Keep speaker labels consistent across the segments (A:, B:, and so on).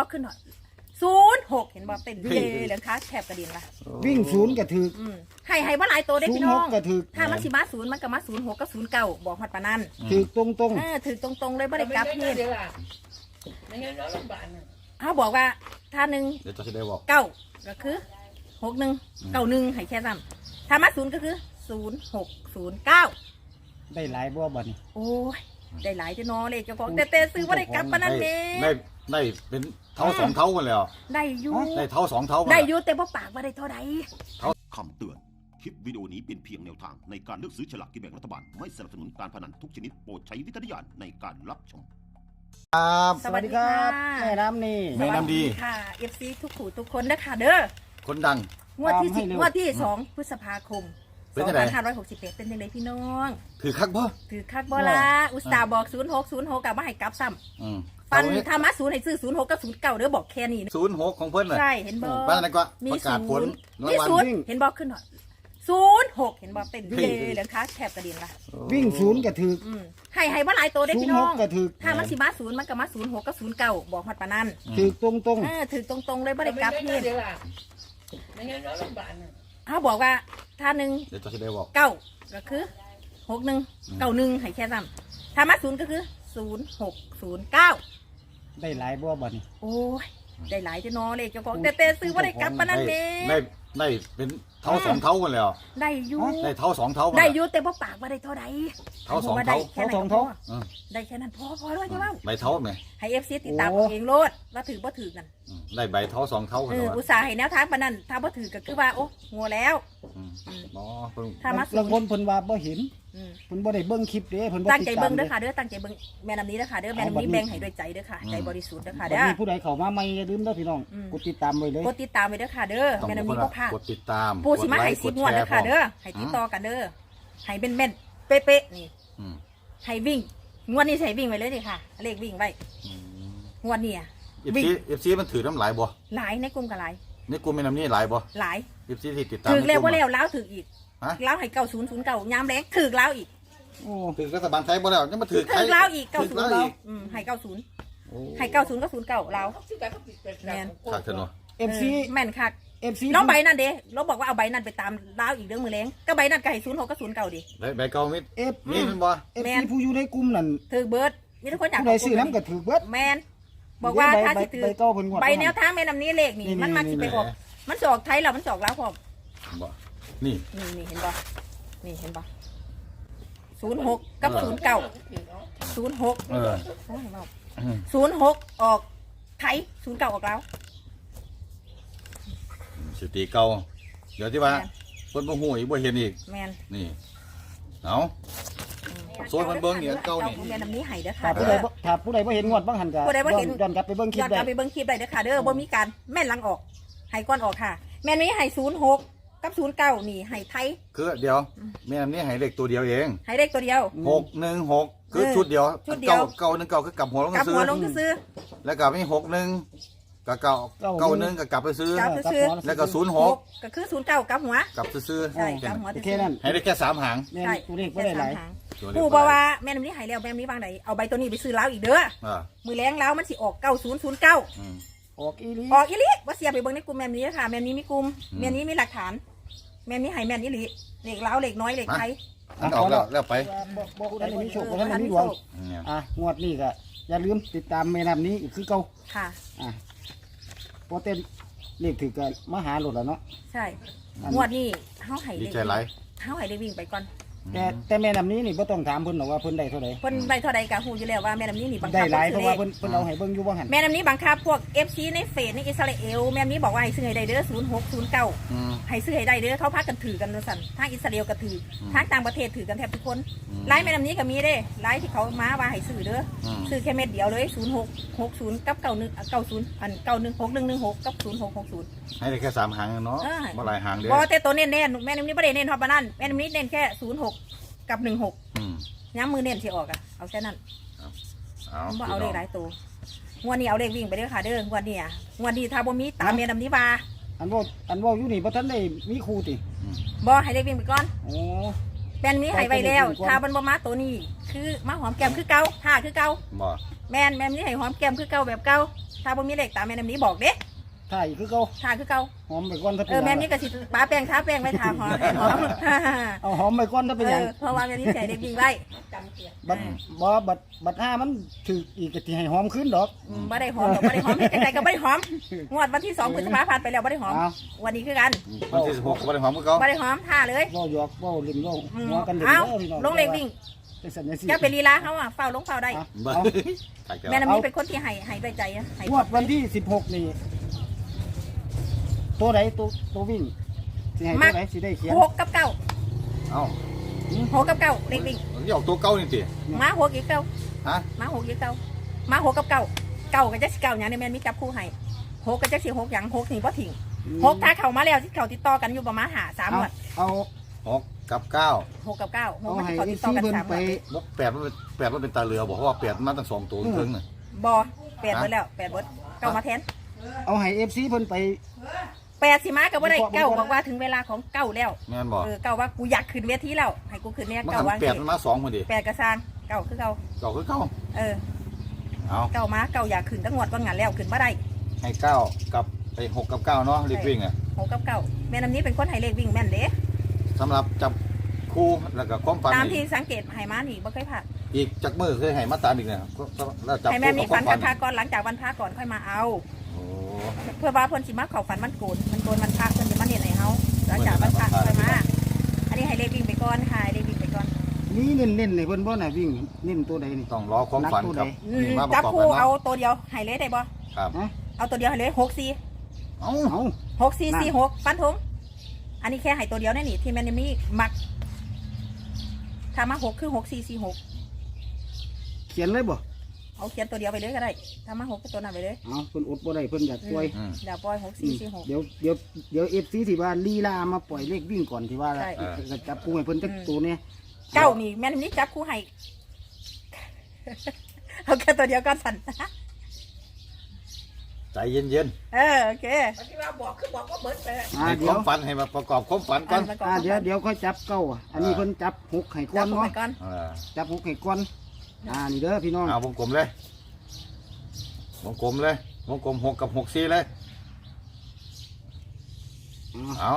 A: ขึ้นหน่อย06เห็นบ่เต้นเย่เหลืองขาแคบกระดิ่งละ
B: วิ่งศูนย์กระถึก
A: ให้ว่าหลายตัวได้พี่น้อง
B: 06กระถึก
A: ถ้ามันสิมา0มันก็มา06กับ09บอกฮอดปานนั้น
B: ถึกตรง
A: ถือตรงๆเลยบ่ได้กลับเฮ็ด
C: ไม่งั้นเราลำบากนะ
A: เฮาบอกว่าถ้า1
D: เดี๋ยวจะได้บอก
A: 9ก็คือ61 91ให้แค่ซ้ำถ้ามา0ก็คือ0609
B: ได้หลายบ่บัดนี้
A: โอ้ยได้หลายจะนอเลยเจ้าของแต่ซื้อว่าได้กลับปานนั้นเด้
D: ได้เป็นเท่า2เท่ากันแล้ว
A: ได้อยู่
D: ได้เท่า2เท่า
A: ได้อยู่แต่บ่ปากว่าได้เท่าใด
E: คำเตือน คลิปวิดีโอนี้เป็นเพียงแนวทางในการเลือกซื้อฉลากกินแบ่งรัฐบาล ไม่สนับสนุนการพนันทุกชนิดโปรดใช้วิจารณญาณในการรับชม
B: ครับสวัสดีครับแม่น้ำนี่
D: แม่น้ำดี
A: ค่ะ FC ทุกผู้ทุกคนนะคะเด้อ
D: คนดัง
A: งวดที่10งวดที่2พฤษภาคม2561เป็นจังไดพี่น้อง
D: ถือคักบ่
A: ถือคักบ่ล่ะอุตส่าห์บอก06กลับมาให้กลับซ้ำปันถ้ามา0ให้ซื้อ06กับ09เด้อบอกแค่นี้
D: 06ของเพิ่นน่ะ
A: ใช่เห็นบ่
D: บ้านนั้นก็ประกาศผล
A: มี0เห็นบ่ขึ้นหน่อย06เห็นบ่เต้นเย่เหลืองขาแคบกระดิ่งละ
B: วิ่งศูนย์กระถึก
A: ให้ว่าหลายตัวได้พี่น้อง
B: กระถึก
A: ถ้ามันสิมา0มันก็มา06กับ09บอกฮอดปานนั้น
B: ถึกตรง
A: ถือตรงๆเลยบ่ได้กลับเฮ็ด
C: ไม่งั้นเราลำบากนะ
A: เฮาบอกว่าถ้า
D: เดี๋ยวจะได้บอก
A: 9ก็คือ61 91ให้แค่ซ้ำถ้ามา0ก็คือ0609
B: ได้หลายบ่บัดนี้
A: โอ้ยได้หลายจะนอเลยเจ้าของแต่ซื้อว่าได้กลับปานนั้นเด้
D: ได้เป็นเท่า2เท่ากันแล้ว
A: ได้อยู่
D: ได้เท่า2เท่า
A: ได้อยู่แต่บ่ปากว่าได้เท่าใด
D: เท่า2เท่า
A: เท่า2เท่าได้แค่นั้นพอแล้วจะว่า
D: ใบเท่าไหม
A: ให้ FC ติดตามเองโลดว่าถือบ่ถือกัน
D: ได้ใบเท่า2เท่ากัน
A: อุตส่าห์ให้แนวทางปานนั้นถ้าบ่ถือก็คือว่าโอ้งัวแล้ว
B: ถ้ามาบางคนเพิ่นว่าบ่เห็นเพิ่นบ่ได้เบิ่งคลิปเด้เพิ่นบ่
A: ตั้งใจเบิ่งเด้อค่ะเด้อตั้งใจเบิ่งแม่น้ำนี้เด้อค่ะเด้อแม่น้ำนี้แบ่งให้ด้วยใจเด้อค่ะใจบริสุทธิ์เด้อค่ะเด้อ
B: มีผู้ใดเข้ามาใหม่อย่าลืมเด้อพี่น้องกดติดตามไว้เลย
A: กดติดตามไว้เด้อค่ะเด้อแม่น้ำนี้บ่พลาด
D: กดติดตาม
A: ผู้สิมาให้10งวดเด้อค่ะเด้อให้ติดต่อกันเด้อให้เป็นแม่นเป๊ะๆนี่ให้วิ่งงวดนี้ใส่วิ่งไว้เลยดิค่ะเลขวิ่งไว้งวดนี้
D: วิ่งFC มันถือน้ำหลายบ่
A: หลายในกลุ่มก็หลาย
D: ในกลุ่มแม่น้ำนี้หลายบ่
A: หลาย
D: FC ที่ติดตาม
A: ถือแล้วบ่แล้วถืออีกแล้วให้9009ยามแรงถือแล้วอีก
D: ถือรัฐบาลไทยบ่แล้วยังมาถือ
A: ถือแล้วอีก90แล้วให้90ให้90กับ09แล้ว
D: แม่นคักเถอะเนาะ
B: FC
A: แม่นคักน้องใบนั่นเด้เราบอกว่าเอาใบนั่นไปตามลาวอีกเรื่องมือแรงก็ใบนั่นก็ให้06กับ09ดิ
D: ใบเก่ามิดนี่มันบ่
B: FC ผู้อยู่ในกลุ่มนั่น
A: ถือเบิร์ดมีทุกคนอยาก
B: ได้ซื้อน้ำก็ถือเบิร์ด
A: แมนบอกว่าถ้าสิถือใบแนวทางแม่นำนี้เลขนี่มันมักสิไปออกมันจะออกไทยแล้วมันจะออกลาวพร้อม
D: บ่นี่
A: เห็นบ่นี่เห็นบ่06กับ09 0606ออกไทย09ออกลาว
D: สติเก่าเดี๋ยวที่ว่าคนบ่ฮู้อีกบ่เห็นอีก
A: แมน
D: นี่เอาโซนมันเบิ่งเนี่ยเก่านี่
A: แม่นำนี้ให้เด้อค่ะ
B: ถ้าผู้ใดบ่เห็นงวดบางหันก็ย้อนกลับไปเบิ่งคลิปได้
A: ย้อนกลับไปเบิ่งคลิปได้เด้อค่ะเด้อบ่มีการแม่นหลังออกให้ก่อนออกค่ะแม่นนี้ให้06กับ09นี่ให้ไทย
D: คือเดี๋ยวแม่นนี้ให้เลขตัวเดียวเอง
A: ให้เลขตัวเดียว
D: 616คือชุดเดียว919คือกลับหัวลงซื้
A: อ
D: แล้วก็มี61กับ91ก็กลับไปซื้อแล้วก็06
A: ก็คือ09กลับหัว
D: กลับซื้อ
A: ใช่กลับหัว
B: แค่นั้น
D: ให้ได้แค่3หาง
B: ใช่ตัวเลขบ่ได้หลาย
A: ผู้บอกว่าแม่นำนี้ให้แล้วแม่นำนี้วางไหนเอาใบตัวนี้ไปซื้อลาวอีกเด้อมือแรงลาวมันสิออก9009
B: ออกอี
A: ลิว่าเสียไปเบิ่งในกลุ่มแม่นนี้ค่ะแม่นนี้มีกลุ่มแม่นนี้มีหลักฐานแม่นนี้ให้แม่นอีหลีเลขลาวเลขน้อยเลขไทย
D: ออกแล้วไป
B: บ่ได้มีโชคบ่ได้มีดวงงวดนี้ก็อย่าลืมติดตามแม่น้ำนี้อีกคือเก่า
A: ค่ะ
B: พอเต้นเลขถือกันมาหาโหลดแล้วเนาะ
A: ใช่งวดนี้เฮาให้
D: ดีใจหลาย
A: เฮาให้ได้วิ่งไปก่อน
B: แต่แม่น้ำนี้นี่บ่ต้องถามเพิ่นหรอกว่าเพิ่นได้เท่าใด
A: เพิ่นได้เท่าใดก็ฮู้อยู่แล้วว่าแม่น้ำนี้นี่บังคับ
B: ได้หลายเพราะว่าเพิ่นเอาให้เบิ่งอยู่บ่หั่น
A: แม่น้ำนี้บังคับพวก FC ในเฟซในอิสราเอลแม่น้ำนี้บอกว่าให้ซื้อให้ได้เด้อ0609ให้ซื้อให้ได้เด้อเขาพากันถือกันสั่นทางอิสราเอลก็ถือทางต่างประเทศถือกันแทบทุกคนไลน์แม่น้ำนี้ก็มีเด้ไลน์ที่เขามาว่าให้ซื้อเด้อซื้อแค่เม็ดเดียวเลย0660กับ9190อัน916116กับ0660
D: ให้ได้แค่3หางเนาะบ่หลายหางเด้อ
A: บ่แต่ตัวเน้นๆแม่น้ำนี้บ่ได้เน้นฮอดปานนั้นแม่น้ำนี้เน้นแค่06กับ16ย้ำมือเน้นสิออกเอาแค่นั้นบ่เอาเลขหลายตัวงวดนี้เอาเลขวิ่งไปเด้อค่ะเด้องวดนี้ถ้าบ่มีตามแม่น้ำนี้ว่า
B: อันว่าอยู่นี่บ่ทันได้มีครูติ
A: บ่ให้เลขวิ่งไปก่อนแม่นนี้ให้ไว้แล้วถ้ามันบ่มาตัวนี้คือมาหอมแก้มคือเก่าท่าคือเก่า
D: บ่
A: แม่นนี้ให้หอมแก้มคือเก่าแบบเก่าถ้าบ่มีเลขตามแม่น้ำนี้บอกเด้
B: ถ่ายคือเก่า
A: ทาคือเก่า
B: หอมไปก่อนถ้าเป็น
A: แม่นี้ก็สิปาแป้งทาแป้งไว้ทาหอมหอม
B: เอาหอมไปก่อนถ้าเป็นหยัง
A: เพราะว่าแม่นี้ใส่เด็กวิ่งไว้
C: จำเสีย
B: บัดบัดห้ามันถืออีกก็สิให้หอมขึ้นดอก
A: บ่ได้หอมบ่ได้หอมเฮ็ดจังไดก็บ่ได้หอมงวดวันที่2พฤษภาคมผ่านไปแล้วบ่ได้หอม
B: เอา
A: วันนี้คือกัน
D: วันที่16ก็บ่ได้หอมกับเขา
A: บ่ได้หอมท่าเลย
B: เว้าหยอกเว้าเล่นเว้าหัวกันเล่น
A: เอ้า
B: เด้อพี่น้อง
A: ลงเลขวิ่ง
B: จังซั่นจังซี่
A: จะเป็นลีลาเขาอ่ะเฝ้าลงเฝ้าได้
B: เอา
D: บ่
B: เอา
D: ถ่ายแก้ว
A: แม่น้ำนี้เป็นคนที่ให้ด้วยใจอะให้
B: งวดวันที่16นี่ตัวไหนตัววิ่งสิให้ตัวไหนสิได้เขียน
A: 6กับ9
D: เอ้า
A: 6กับ9เลขวิ่ง
D: มันออกตัวเก่านี่ติ
A: มา6อีก9
D: ฮะ
A: มา6อีก9มา6กับ9 9ก็จักสิ9หยังเนี่ยแม่นมีจับคู่ให้6ก็จักสิ6หยัง6นี่บ่ทิ้ง6ถ้าเข้ามาแล้วที่เขาติดต่อกันอยู่ประมาณ3งวด
B: เอา
D: 6กับ9
A: 6กับ9 6
B: เอา
A: มัน
B: ให้
A: เขา
B: อี
A: ติดต่อ
B: ซี่
A: กัน
B: เพิ่น
A: 3ง
B: ไป
A: วด
D: บ่8มันเป็นตาเรือบอกเพราะว่า8มันตั้ง2ตัวครึ่งน่ะ
A: บ่8เบิดแล้ว8เบิดเก้ามาแทน
B: เอาให้ FC เพิ่นไป
A: 8สิมาก็บ่ได้เก้าบอกว่าถึงเวลาของเก้าแล้ว
D: แม่นบ่
A: เก้าว่ากูอยากขึ้นเวทีแล้วให้กูขึ้นเนี่ย
D: มัน
A: เก้า
D: หัน
A: ว่า
D: 8มันมา2พุ่นดิ
A: 8กระซางเก้าคือเก้า
D: เก่าคือเก่า
A: เออ
D: เอา
A: เก้ามาเก้าอยากขึ้นตั้งงวดว่างานแล้วขึ้นบ่ได้
D: ให้9กับไอ้6กับ9เนาะรีบวิ่งอ่ะ
A: 6กับเก้าแม่น้ำนี้เป็นคนให้เลขวิ่งแม่นเด้
D: สำหรับจับคู่แล้วก็ความฝัน
A: ตามที่
D: นี่
A: สังเกตให้มานี่บ่เคยพลาด
D: อีกจักมือเคยให้มาตามอีกเนี่ยแล้วจับ
A: ให้
D: คู่
A: แม่มี
D: กับค
A: ฝั
D: วาน มฝัน
A: พาก่อนหลังจากวันพระก่อนค่อยมาเอา
D: โอ้
A: เพื่อว่าเพิ่นสิมาเข้าฝันมันโกนมันวันพระเพิ่นสิมาเน้นให้เฮาหลังจากวันพระค่อยมาอันนี้ให้เลขวิ่งไปก่อนค่ะให้เลขวิ่งไปก่อน
B: นี่เน้นๆให้เพิ่นบ่น่ะวิ่งเน้นตัวใดนี่
D: ต้องรอความฝันครับวิ่งมาประ
A: จับ
D: กอบ
A: คู่
D: กัน
A: เอา
D: เนาะ
A: ตัวเดียวให้เลยได้บ่
D: ครับ
A: เอาตัวเดียวให้เลย64
D: เอ้า
B: เอา
A: 6446ฟันธงอันนี้แค่ให้ตัวเดียวแน่นี่ที่แม่นมีมักถ้ามา6คือ6446
B: เขียนเลยบ่
A: เอาเขียนตัวเดียวไปเลยก็ได้ถ้ามา6ก็ตัวนั้นไปเลย
B: เอาเพิ่นอดบ่ได้เพิ่นอยากปล่อย
D: อืม
A: เดี๋ยวปล่อย6446
B: เดี๋ยว FC ที่ว่าลีลามาปล่อยเลขวิ่งก่อนที่ว่า
A: ใช่
B: จะจับกูให้เพิ่นจักตัวเนี่ย
A: เก้านี่แม่นนี่จับคู่ให้ เอาแค่ตัวเดียวก็สั่น
D: ใจเย็น
A: โอเค
C: ที่ว่าบอกคือบอกว่าเบิดไป
D: ๆให้ค
B: เดี๋ยว
D: วามฝันให้มาประกอบความฝันก่อน
B: เดี๋ยวค่อยจับเก้าอันนี้เพิ่นจับหกให้ก้
A: จั
B: อบ น
A: คู่
B: เนาะ
A: ไปก่อน
B: จับหกให้ก้อนนี่เด้อพี่น้อง
D: เอาวงกลมเลยวงกลมเลยวงกลม6กับ6 4เลยเอา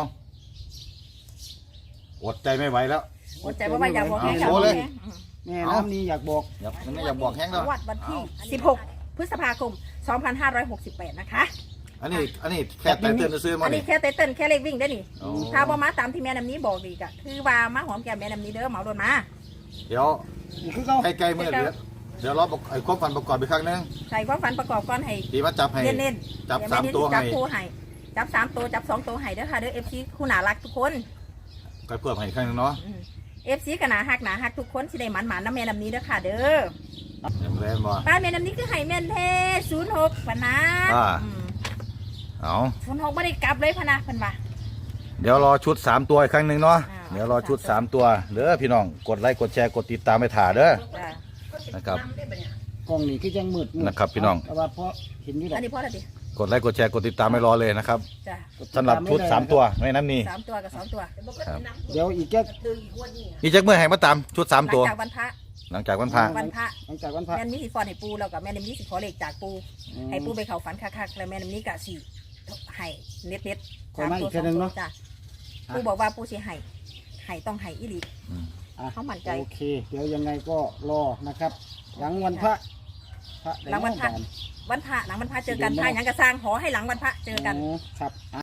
D: อดใจไม่ไหวแล้ว
A: อดใจว่าอยากบอกแห้ง
D: เอาโชว์เลย
B: แม่น้ำนี้อยากบอก
D: มันไม่อยากบอกแห้งแล้ว
A: วัดวันที่16 พฤษภาคม 2568 นะคะ
D: อันนี้แค่แต่เตือนซื้อมา
A: อัน
D: ดิ
A: นี้แค่เต้นแค่เลขวิ่งได้นี่
D: อ๋อ
A: ถ้าบ่มาตามที่แม่น้ำนี้บอกดีกะคือว่ามาหอมแก้มแม่น้ำนี้เด้อเหมาโดนมา
D: เดี๋ยว
B: นี่คือเก้า
D: ให้ใกล้มือเดี๋ยวเราไอ้ความฝันประกอบอีกครั้งนึง
A: ใส่ความฝันประกอบก่อนให้
D: ดีมาจับให้
A: เน้น
D: จับ3ตัว
A: จั
D: ให้
A: บคู่ให้จับ3ตัวจับ2ตัวให้เด้อค่ะเด้อ FC คู่น่ารักทุกคน
D: ก็เพิ่มให้อีกครั้งนึงเนาะ
A: FC ก็น่าฮักทุกคนสิได้หมันๆน้ำแม่น้ำนี้เด้อค่ะเด้อ
D: ยังแรงบ่
A: ป้าแม่น้ำนี้คือให้แม่นเท่06พะนะ
D: เอา
A: 06บ่ได้กลับเลยพะนะเพิ่นว่า
D: เดี๋ยวรอชุด3ตัวอีกครั้งนึงเนาะ
A: อ่า
D: เดี๋ยวรอชุด3ตัวเด้อพี่น้องกดไลค์กดแชร์กดติดตามไปถ่าเด้อ
A: จ้ะ
D: นะครับ
B: กล้องนี่คือยังมืด
D: นะครับพี่น้อง
B: แต่ว่าพอเห็นอยู่ดอ
A: อั
B: ก
A: นนี้พอแล้วดิ
D: กดไลค์กดแชร์กดติดตามไม่รอเลยนะครับ
A: จ้ะ
D: สำหรับชุด3ตัวไม่น้ำนี่
A: 3ตัวกับ2ตัว
B: เดี๋ยวอีกแค่
D: อีจักเมื่อให้มาตามชุด3ตัว
A: หลังจากวันพระ
D: หลังจากวันพระ
A: วันพระ
B: หลังจากวันพระ
A: แม่นมีสิฟอนให้ปูแล้วก็แม่นมีสิขอเลขจากปูให้ปูไปเข้าฝันคักๆแล้วแม่นมีก็สิให้เน็ตๆ
B: ขอมาอีกแค่นึงเนาะ
A: จ้ะปูบอกว่าปูสิให้ต้องให้อีหลี
B: อ่ะ
A: เขามั่นใจ
B: โอเค เดี๋ยวยังไงก็รอนะครับ หลังวันพระพระ
A: หลังวันพระ วันพระหลังวันพระเจอกันพระหยังกระสร้างขอให้หลังวันพระเจอกัน
B: ครับ